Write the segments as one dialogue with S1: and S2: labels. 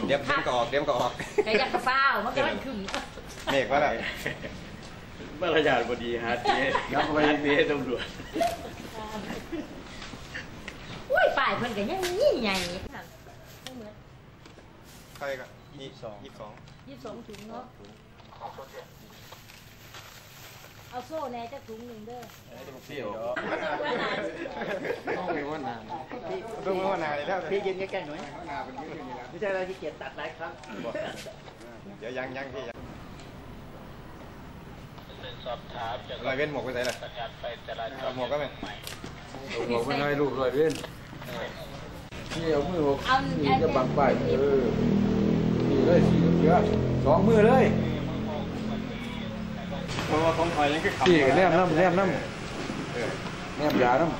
S1: เดี๋ยวมันก็ออก
S2: ไก่ยักษ์กระเป๋ามันก็มันขึ้น
S1: เมฆว่าอะไร
S3: มารยาทพอดีฮะเจ๊แล้วไปเจ๊ตำรวจ
S2: อุ้ยป่ายเพิ่นกันยังยิ่งใหญ่
S1: ใครก็22
S2: ถุงเนาะเอาโซ่แน่จะถุงหนึ่งเด้อ
S1: ต้องมีว่านานเลยแล้ว
S4: พี่ยืนใกล้ๆหน่อยไม่ใช่เราที่เกียจตัดหลายครั้ง
S1: เดี๋ยวยังพี่ลอยเว้นหมวกไปไหนล่ะหมวกก็ไม่
S3: หมวกไม่ให้ลูกลอยเว้นนี่เอามือหกนี่จะบังไปนี่เลยเยอะ2 มือเลย
S1: เพราะว่าของคอยยังคือขับ
S3: พี่แนมน้ำแนมยาน้ำ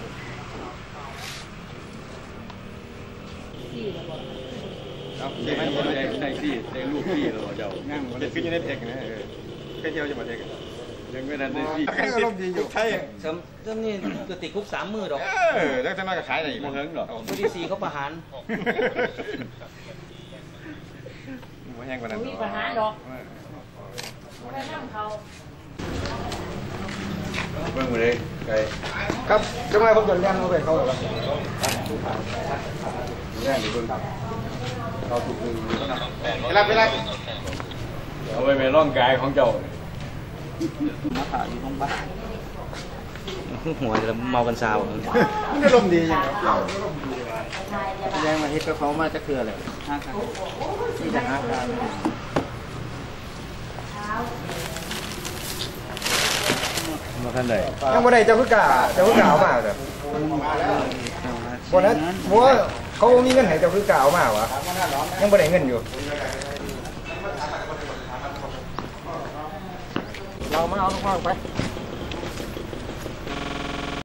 S1: ที่มัน
S3: ในที่ในลูกพี่เราเจ้า
S1: นั่งจะขึ้นอยู่ในเทคนะแค่เที่ยวจะมาเทค
S3: ยังไม่ทันได้ที่
S1: แค่อารมณ์ดีอยู่ใช่
S4: จำนี่ก็ติดคุก3 มือดอก
S1: แล้วจะน่าจะขายอะไรอีก
S3: โมเหิงหรอ
S4: ผู้ที่4เขาประหาร
S1: ไม่แห้งกว่านั้น
S2: มีประหารดอกไปนั่งเขา
S3: เบิ่งมาเลยไก่
S1: ครับจังไรผมจะเลี้ยงเขาไปเขาหรอ
S3: เลี้ยงอยู่เบิ่งเราถูกดึง
S1: ไปรับ
S3: เอาไปร่องกายของเจ้า
S4: มาถ่ายอยู่ห้องบ้านหัวจะเมากันซาว
S1: มันอารมณ์ดี
S4: ยังมาเฮ็ดกับเขามาจะคืออะไร5 ครั้งนี่จะ5 ครั้ง
S3: มาท่านใด
S1: ยังบ่ได้เจ้าคือกาเอามาแบบวันนั้นว่าเขามีเงินให้เจ้าคือกาเอามาวะยังบ่ได้เงินอยู่
S4: เรามาเอาข้างไป